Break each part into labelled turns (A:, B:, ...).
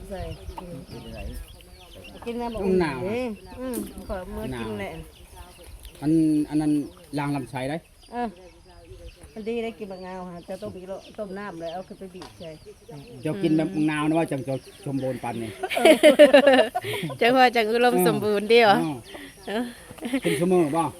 A: ใส่
B: เป็นไร
A: กินน้ำบอกขอมือกินแหละ
C: อันนั้นล้างลำไส้ได้
A: มันดีได้กินบางงาวฮะจะต้มต้มน้ำเลยเอาขึ้นไปบีบใช่
C: เจ้ากินแบบมะนาวนะว่าจังจะชมโบนปันนี่
D: จังว่าจังอุดมสมบูรณ์เดียว
C: กินเสมอบ่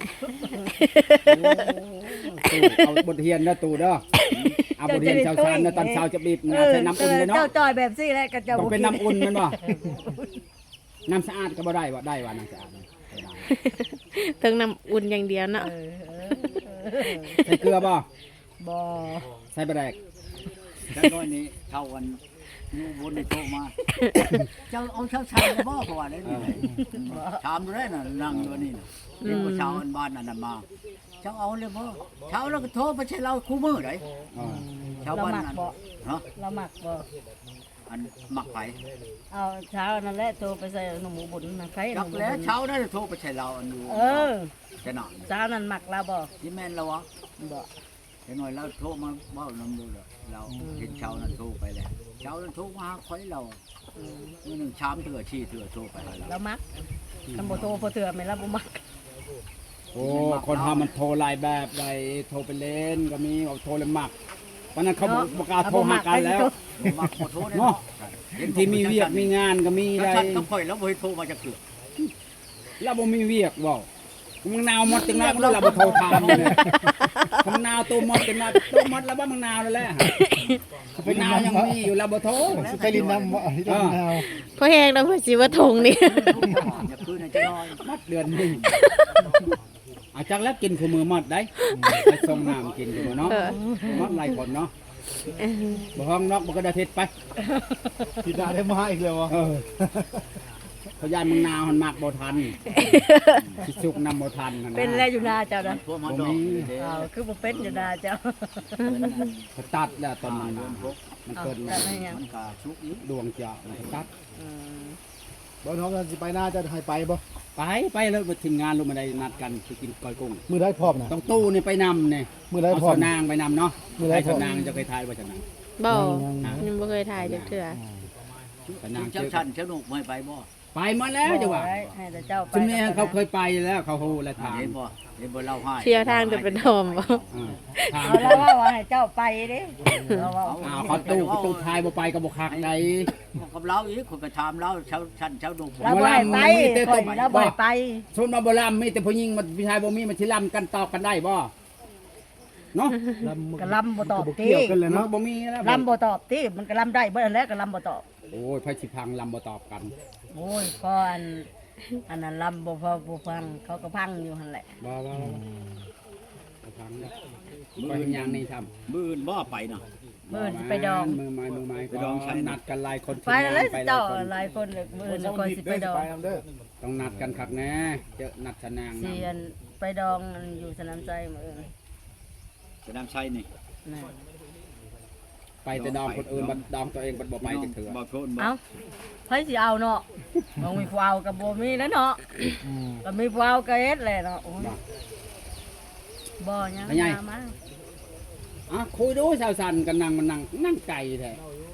C: เอาบทเรียนนะตู่เด้อเอาบทเรียนชาวชานนะตอนเช้าจะบีบงาใส่น้ำอุ่นเลยเนาะ
A: เจ้าจอยแบบซี่แหละกับเจ้า
C: ต้องเป็นน้ำอุ่นมันบ่น้ำสะอาดก็บ่ได้ว่าได้ว่าน้ำสะอาด
D: เทิงน้ำอุ่นอย่างเดียวเนาะ
C: ใส่เกลือบ่
A: บ่
C: ใส่ปลาแดก
B: จังน้อยนี้เท่ากันนูบนในโตมาเจ้าเอาเช้าชาบ่เพราะว่าได้นี่ชามดูได้น่ะนั่งอยู่นี่น่ะเด็กผู้ชาวบ้านนั่นมาเจ้าเอาเลยบ่เช้าแล้วก็โทรไปใช้เราคู่มือได้ชาว
A: เรา
B: บ้าน
A: หมัก
B: นั่น
A: บ่
B: เนาะ
A: เราหมักบ่
B: อันหมักไผ
A: เอาเช้านั่นแหละโทรไปใส่หนูหมูบุญนะใคร
B: จักแล้วเช้าได้โทรไปใช้เราอันอยู่จะหนัก
A: เช้านั้นหมักเราบ่
B: ที่แม่นแล้ววะ
A: บ่
B: เดี๋ยวหน่อยเราโทรมาเบ้านำดูเลยเราเห็นเช้านั้นโทรไปแล้วเช้านั้นโทรมาหาคอยเรามื้อหนึ่งชามเถื่อชี้เถื่อโทรไปหาเรา
A: เราหมักคำบ่โทรพอเถื่อไม่รับบ่หมัก
C: โอ้คนเฮามันโทรหลายแบบใดโทรไปเล่นก็มีเอาโทรเลยมักเพราะนั้นเขาบ่กล้าโทรหากันแล้ว
B: มาขอโทษเนาะ
C: ที่มีเวียกมีงานก็มี
B: ได้
C: ได้
B: ก็ค่อยแล้วบ่ให้โทรมาจากเกือ
C: แล้วบ่มีเวียกบ่มึงนาวหมดจังนั้นแล้วเราบ่โทรถามเลยมึงนาวตัวหมดจังนั้นตัวหมดแล้วบ่มึงนาวนั่นแหละมึงนาวยังมีอยู่แล้วบ่โทร
E: ไปลินน้ำที่ต้นนาว
D: เพราะแห้งแล้วเพื่อสิว่าทงนี่
B: อย่าคืนให้จะน้อย
C: มัดเดือนหนึงอาจักแล้วกินคู่มือหมดได้ไปส่งน้ำกินคู่มือเนาะหมดหลายคนเนาะบ่ห้องนอกบ่ก็ได้เทศไป
E: พี่ดาได้มาอีกแล้ววะ
C: พยานมึงนาวหันมากบ่ทันสิสุกนำบ่ทันนั่น
A: เป็นแล้วอยู่นาเจ้านะ
B: โทรมาดอก
A: อ้าวคือบ่เป็นอยู่นาเจ้า
C: เขาตัดแล้วตอนนั้นมันเกิด
A: แต่ไม่ยัง
B: มันก็ชุกอีก
C: ดวงเจาะมันก็ตัด
E: บอลน้องกันสิไปหน้าจะให้ไปบ่
C: ไปแล้วทีมงานลงมาได้นัดกันไปกินก้อยกุ้ง
E: มือได้พร้อมนะ
C: ต้องตู้นี่ไปนำเนี่ย
E: มือได้
C: เอา
E: พร้อ
C: ส
E: ม
C: นางไปนำเนาะ
E: มื้อใด
C: ให้
E: พร้
C: ส
E: อม
C: นางจะเคยทายว่าสนาง
D: บ่ยังบ่เคยถ่ายจักเทื่อ
C: สนาง
B: เจ้าชันเจ้าหนุกไม่ไปบ่
C: ไปมาแล้วจ้ะว่า
A: ให้แต่เจ้าไป
C: ซึ่งแม่เขาเคยไปแล้วเขาโหและถาม
B: เห็นบ่เห็นบ่เล่าให้
D: เที่ยวทางจะเป็นทอมบ่
C: ถาม
A: เอาแล้วว่าให้เจ้าไปเด้เราว่า
C: เขาตู้ทายบ่ไปก็บ่คักใด
B: กับเราอีกคนก็ถามเราเช้าชันเช้าหนุก
A: เราบ่ให้ไปข่อยเราบ่ให้ไป
C: ชนมาบ่ลำมีแต่ผู้หญิงมันผู้ชายบ่มีมันสิลำกันตอบกันได้บ่เนาะ
A: ก็ลำบ่ตอบ
E: บ่
A: ติ
E: เกี่ยวกันเลย
C: มัน
E: เนาะ
C: บ่มีแล้ว
A: ลำบ่ตอบติมันก็ลำได้เบ่แล้วก็ลำบ่ตอบ
C: โอ้ยไผสิพังลำบ่ตอบกัน
A: โอ้ยก็อันนั้นลำบ่พอบ่ฟังเขาก็พังอยู่หั่นแหละ
C: บ่พังแล้วไปเฮ็ดหยังนี่ทำ
B: มื้อบ่ไปน่ะ
A: มื้อสิไปดอง
C: มือไม้
B: ไปดองใช่
C: นัดกันหลายคน
A: ไปแล้ว
C: ไปหลา
A: เจ้าย
C: คน
A: หลายคนเลยมื้อนี้ก็สิไปดอง
E: ไปนำเด้อ
C: ต้องนัดกันคักแน่เจอนัดชะนาง
A: สิ
C: นำ
A: อันไปดองอันอยู่สนามใจมื้อนี้
B: จะนำใช้นี่
A: นั่น
C: ไปแต่ดองคนอื่นบัดดองตัวเองบัดบ่ไปจักเถื่อ
B: บ่โทษบ่
A: เอ้าไผสิเอาเนาะบ่มีผู้เอาก็บ่มีแล้วเนาะก็มีผู้เอาก็เฮ็ดแหละเนาะโอ้ยบ่ยังมา
C: คุยดูชาวสันกันนั่งมันนั่งไก่แท้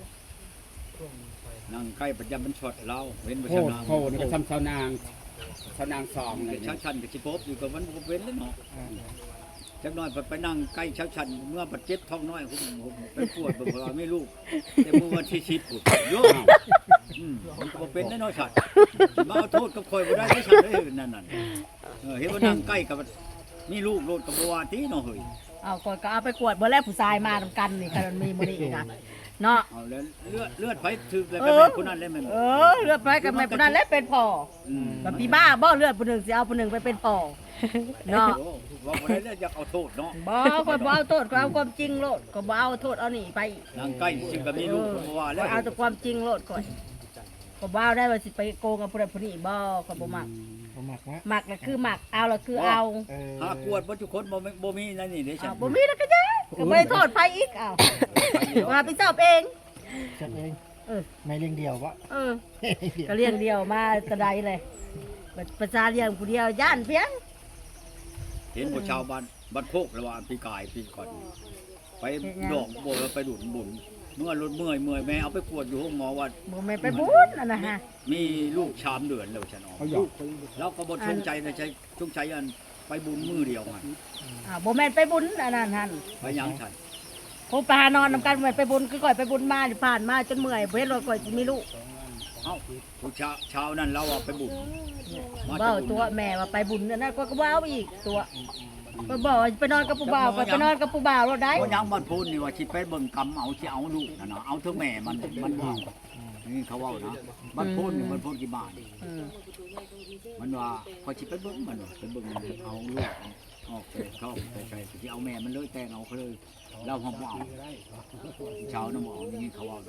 B: นั่งใกล้ประจำมันช็อตเราเว้นบ่
C: โค
B: ช
C: ตร
B: นะ
C: โคตรนี่ก็ทำชาวนางสองเลย
B: เช้าชันกับสิพบอยู่กับมันบ่เว้นแล้วเนาะจักหน่อยไปนั่งใกล้เช้าชันเมื่อปัดเจ็บท้องน้อยผมไปปวดบ่ว่าไม่ลูกแต่เมื่อวันที่10พุ่นโยมมันก็บ่เป็นแน่นอนชัดมาเอาโทษกับข่อยบ่ได้ชัดเด้อนั่นเห็นว่านั่งใกล้กับมีลูกโลดกับบ่ว่าติเนาะเฮ้ย
A: เอาก่อนก็เอาไปกวดบ่แล้วผู้ชายมานํกันนี่คันมันมีมื้อนี้อีกอ่ะเนาะ
B: เอาแล้วเลือดไปถึกแล้วก็แม่คนนั้นเลยแม่น
A: เลือดไปกับแม่ผู้นั้นแล้วเป็นพ่อแบบพี่บ้าบ่เลือดผู้หนึงสิเอาผู้หนึงไปเป็นพ่อเนาะ
B: ว่าบ่ได้เลือดอยากเอาโทษเนาะ
A: บ่ก็บ่เอาโทษก็เอาความจริงโลดก็บ่เอาโทษเอานี่ไป
B: นั่งใกล้ซึ่งก็มีลูกบ่ว่าแล้ว
A: เอาแต่ความจริงโลดก่อนก็บ่เอาได้ว่าสิไปโกงกับผู้ใดผู้นี้บ่ก็บ่มัก
E: ผมมักนะ
A: มักก็คือมักเอาแล้วคือเอา
B: หากวดบ่ทุกคนบ่มีนั่นนี่เด้ฉั
A: อ้าวน บ่มีแล้วก็จะก็บ่ได้โทษไผอีกอ้าวมาไปสอบเอง
E: จัดเอง
A: เออ
E: ไม่เลี้ยงเดียววะ
A: ก็เลี้ยงเดียวมาแตะใดเลยประชาเลี้ยงผู้เดียวย่านเพียง
B: เห็นผู้ชาวบ้านโคกระหว่างปีกายปีก่อนไปดอกบ่ไปดุนบุญเมื่อรถเมื่อยแม่เอาไปกวดอยู่ห้องหมอว่า
A: บ่แม่นไปบุญนั่นน่ะฮะ
B: มีลูกชามเดือนแล้วฉันออก
C: เขาหยอก
B: เราก็บ่ชงใจนะใช้ชงใจอันไปบุญมือเดียวมัน
A: บ่แม่นไปบุญอันนั้นหั่น
B: ไปยังฉัน
A: ผมไปหานอนนำกันแม่นไปบุญคือก่อยไปบุญมานี่ผ่านมาจนเมื่อยบ่เห็นว่าก่อยสิมีลูก
B: เอ้าผู้เช้านั้นเราเอาไปบุญมา
A: เว้า
B: จะบุญ
A: ตัวแม่ว่าไปบุญนั่นน่ะก็ว้าวอีกตัวก็บอกว่าไปนอนกับผู้บ่าวก็ไปนอนกับผู้บ่าวแล้วได้
B: เพราะยังบ้านพูนนี่ว่าสิไปเบิ่งกรรมเอาสิเอาลูกนะเอาเท่าแม่มันว่านี่เขาเว้านะบ้านพูนนี่บ้านพูนกี่บาท
A: อืม
B: มันว่าพอสิไปเบิ่งมันไปเบิ่งเอาลูกออกไปเข้าไปใส่ที่เอาแม่มันเลยแต่งเอาเขาเลยเราห้องบ่เอาเช้าน้ำเอานี่เขาเว้า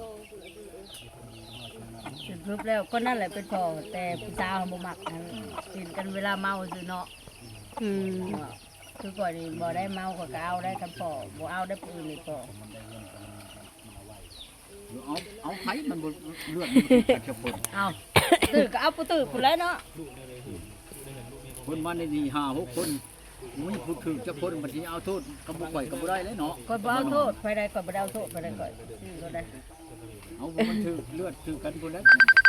A: สรุปแล้วก็นั่นแหละเป็นพ่อแต่ผู้สาวบ่มักนั่นกินกันเวลาเมาซื่อเนาะ
D: อืม
A: คือก่อนนี่บ่ได้เมาก็เอาได้กันพ่อบ่เอาได้ปืนนี่พ่อ
B: เอาไผมันบ่เลือดมันจะปน
A: เอาตื้อก็เอาผู้ตื้อผู้แล้วเนาะ
B: คนมาในนี่5-6คนมุ้ยพูดถึงจะคนบัดนี้เอาโทษกับบ่ข่อยกับบ่ได้เลยเนาะ
A: ก็บ่เอาโทษไปได้ก็บ่ได้เอาโทษไปได้ก็ซื้อก็ได้
B: เอามันถือเลือดถือกันพุ่นแล้ว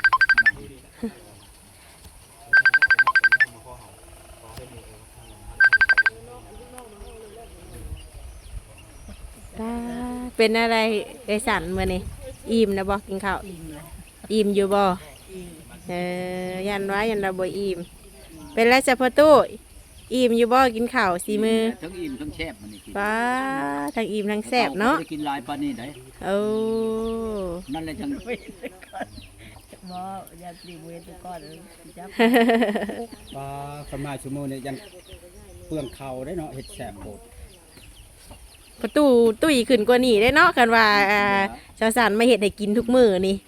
D: เป็นอะไรไอ้สันมื้อนี้อิ่มนะบ่กินข้าว
A: อิ่มเลย
D: อิ่มอยู่บ่
A: อิ่ม
D: ยันว่ายันเราบ่อิ่มเป็นไรจ้ะพ่อตู้อิ่มอยู่บ่กินข้าวสีมือ
B: ทั้งอิ่มทั้งแซ่บมันนี่กิน
D: ป้าทั้งอิ่มทั้งแซ่บเนาะ
B: ได้กินหลายปานนี้ได้
D: โอ้
B: นั่นแหละจัง
A: ไปก่อนบ่อย่าตีเวทไปก่อนจับ
C: ปลาสมาชั่วโมงเนี่ยยันเปลืองเข่าได้เนาะเห็ดแสบโคตร
D: ประตูตุ้ยขึ้นกว่านี้ได้เนาะกันว่าชาวสานมาเฮ็ดให้กินทุกมื้อนี่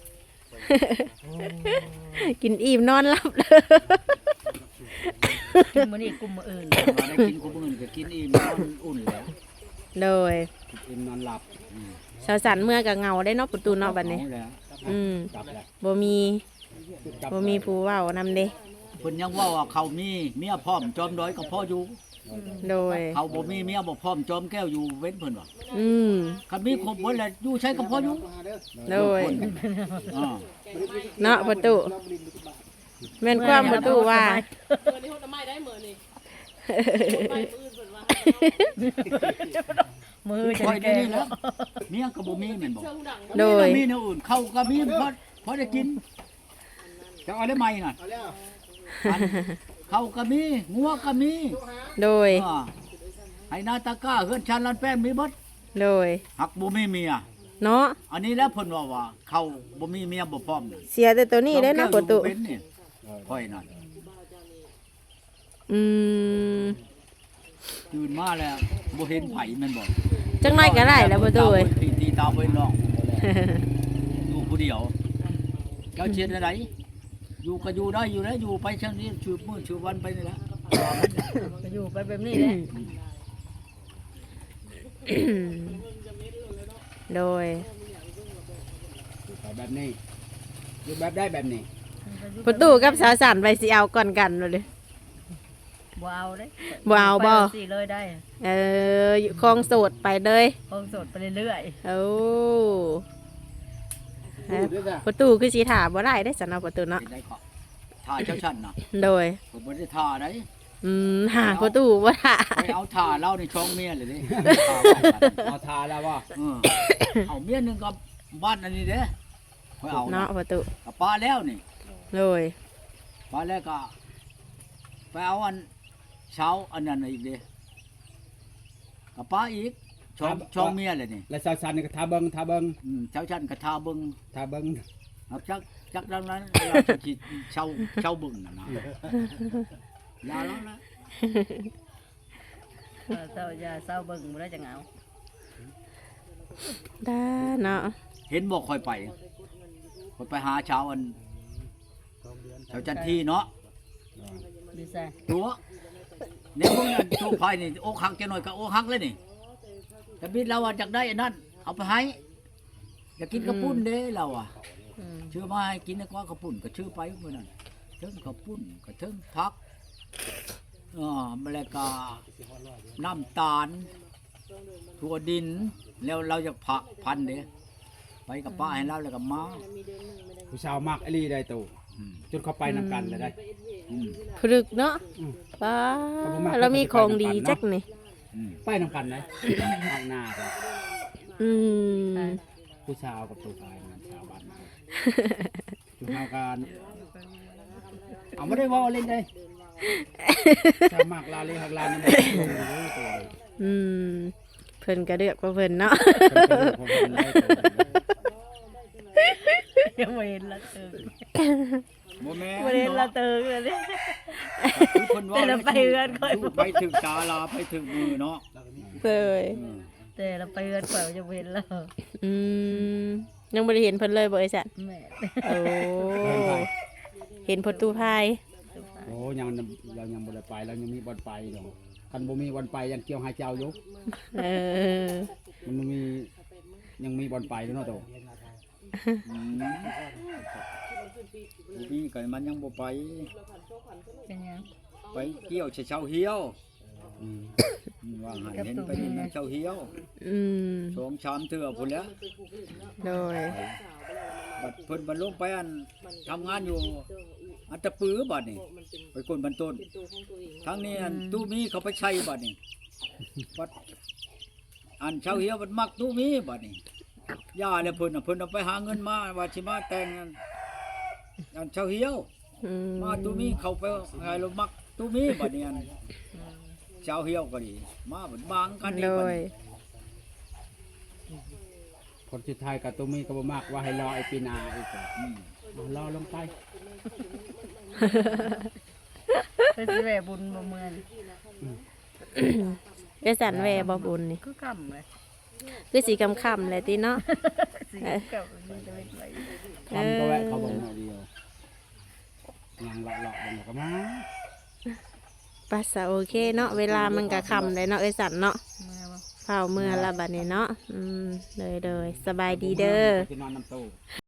D: กินอิ่มนอนหลับเลย
A: กินมื้อนี้กลุ่มมื้ออื่น
B: ว่าได้กินกูมื้อนี้ก็กินอิ่มนอนอุ่นแล้ว
D: เลย
C: กินนอนหลับ
D: ชาวสานเมื่อก็เหงาได้เนาะประตูเนาะบัดนี้
B: เอาแล้ว
D: อืม
C: กลับแล้ว
D: บ่มี
C: กลับ
D: บ่มีผู้เว้านำเด้
B: เพิ่นยังว่าเขามีเมียพร้อมจอมด้อยก็พออยู่
D: โดย
B: เขาบ่มีเมียบ่พร้อมจอมแก้วอยู่เว้นเพิ่นว่า
D: อืม
B: คันมีครบหมดแล้วอยู่ใช้ก็พออยู่
D: โดย
B: อ่า
D: เนาะประตูแม่นความประตูว่า
A: มือจะ
B: คอย
A: แก่
B: ได้นี่
A: แล้
B: แล้ว วเมียก็บ่มีแม่นบ่
D: โดย
B: มีแนวอื่นเขาก็มีพอได้กินจะเอาได้ไหมน่ะ
E: เอาแล้ว
B: อันเขาก็มีงัวก็มี
D: โดย
B: อ่าไห้นาตาก้าเฮือนชันลันแป้งมีเบิด
D: โดย
B: หักบ่มีเมีย
D: เนาะ
B: อันนี้แล้วเพิ่นว่าเขาบ่มีเมียบ่พร้อมนี่
D: เสียแต่ตัวนี้ได้เนาะประตู
B: เว้นนี่ค่อยนั่น
D: อืม
B: ตื่นมาแล้วบ่เห็นไผแม่นบ่
D: จังน้อยก็ได้แล้วประตูเอ้ย
B: ตีตาเว้นน้องอยู่ผู้เดียวเจ้าเชียดอะไรอยู่ก็อยู่ได้อยู่แล้วอยู่ไปช่างนี้ชืบมื้อชืบวันไปนี่แหละ
A: ก็อยู่ไปแบบนี้แหละ
D: โดย
C: ไปแบบนี้อยู่แบบได้แบบนี้
D: ประตูกับสาวสันไปสิเอาก่อนกันเลย
A: บ่เอาเด้
D: บ่เอาบ่
A: ไปสิเลยได้
D: คลองโสดไปเลย
A: คงสดไปเรื่อย
D: โอ้
E: ดูด้วยจ้ะ
D: ประตูคือสีถามบ่ได้ได้อสันเอาประตูเนาะ
B: เป็นได้ก็ท่าเจ้าชันน่ะ
D: โดย
B: ผมบ่ได้ท่าได้
D: หาประตูบ่ได้
B: ไปเอาท่าเล่าในช่องเมียเลยดิ
C: เอาทาแล้วว่า
B: เออเอาเมียหนึงกับบ้านอันนี้เด้ค่อยเอา
D: เนาะประตู
B: กับป้าแล้วนี่
D: โดย
B: ป้าแล้วก็ไปเอาอันเช้าอันนั้นอีกเด้กับป้าอีกช่องเมียเลยนี่
C: แล้วสาวสันนี่ก็ทาเบิง
B: เช้าชันกับท่าเบิ่ง
C: ทาเบิง
B: เอาจักดังนั้นเราจะคิดเช่าบึงนะยาแล้วนะ
A: ๆเศร้าจะเศร้าเบิ่งบ่ได้จังเอา
D: ได้เนาะ
B: เห็นบอกคอยไปหาเช้าอันเช้าจันทีเนาะ
A: ดีใส่
B: ตัวเนี่ยพวกนั้นตัวไฟนี่โอกหักจะหน่อยกับโอกหักเลยนี่แต่บิดเราอยากได้อันนั้นเอาไปให้อยากกินกระปุ้นเด้เราอ่ะ
A: อืม
B: ชื่อมาให้กินนะกว่ากระปุ้นก็ชื่อไปเมื่อนั้นเทิงกระปุ้นก็เทิงพักแล้วก็น้ำตาลถั่วดินแล้วเราจะผักพันเด้ไปกับป้าให้เราแล้วก็มา
C: ผู้ชาวมักอลีได้ตู่จนเขาไปนำกันเลยได้
D: พรึกเนาะป้าเรามีของดีจักนี่
C: ไปนำกันเลยทางหน้าครับ
D: อืม
C: ผู้ชาวกับตัวชายงานชาวบ้านจุดเฮากันเอาไม่ได้ว่าเล่นได้ชาวมักลาเลยหักลานี่บ่ตัว
D: อืมเพิ่นก็เลือกว่าเพิ่นเนาะ
A: ยังบ่เห็นละเติง
B: บ่แม่
A: บ่เห็นละเติงเลย
B: คือเพิ่นว่า
A: แต่เราไปเฮือนค่อย
B: ไปถึงตาลาไปถึงมือเนาะ
D: เลย
A: แต่เราไปเฮือนข่อยจะบ่เห็นแล้ว
D: อืมยังบ่ได้เห็นเพิ่นเลยบ่ไอ้สัน
A: แม่
D: โอ้เห็นประตูพาย
C: โอ้ยังเรายังบ่ได้ไปเรายังมีบอลไปดอกคันบ่มีบอลไปยังเกี่ยวหาเจ้าอยู่
D: เออ
C: มันมียังมีบอลไปด้วยเนาะตัว
B: พี่ก็มันยังบ่ไป
A: เป็นหยัง
B: ไปเกี่ยวเช้าเหี่ยวว่าหันเห็นไปนี่มันเช้าเหี่ยว
D: อืม
B: สองชามเทื่อพุ่นแหล้ว
D: โดย
B: บัดเพิ่นบรรลุไปอันทำงานอยู่อันตะปือบัดนี่ไปคนบรรต้นทางนี้อันตู้มีเขาไปใช้บัดนี่บัดอันเช้าเหี่ยวบัดมักตู้มีบัดนี่ย่าแล้วเพิ่นน่ะเพิ่นเอาไปหาเงินมาว่าสิมาแต่งอันเช้าเหี่ยว
D: อืม
B: มาตู้มีเขาไปให้เรามักตู้มีบัดนี้อันเช้าเหี่ยวก็ดีมาบัดบางกัน
D: โด
B: นี่บัด
D: ย
B: นี้
C: คนสุดท้ายกับตัวมีก็บ่มากว่าให้รอไอ้ปีนาอีกรอลงไป
A: ไปสิแว่บุญบ่เมือน
D: ไอ้สันแวบ่บุญนี่
A: คือคำเลย
D: คือสีค่ำๆเลยติเนาะ
A: สิกับมันจะเป็นไร
C: ทำก็แวะเขาบอกหน่อยเดียวยังเลาะๆมันก็มา
D: ปัสสะโอเคเนาะเวลามันก็ค่ำเลยเนาะไอ้สันเนาะ
A: แม่ว่า
D: เฝ้าเมื่อละบัดนี้เนาะเลยสบายดีเด้อ
C: จะนอนน้ำตู้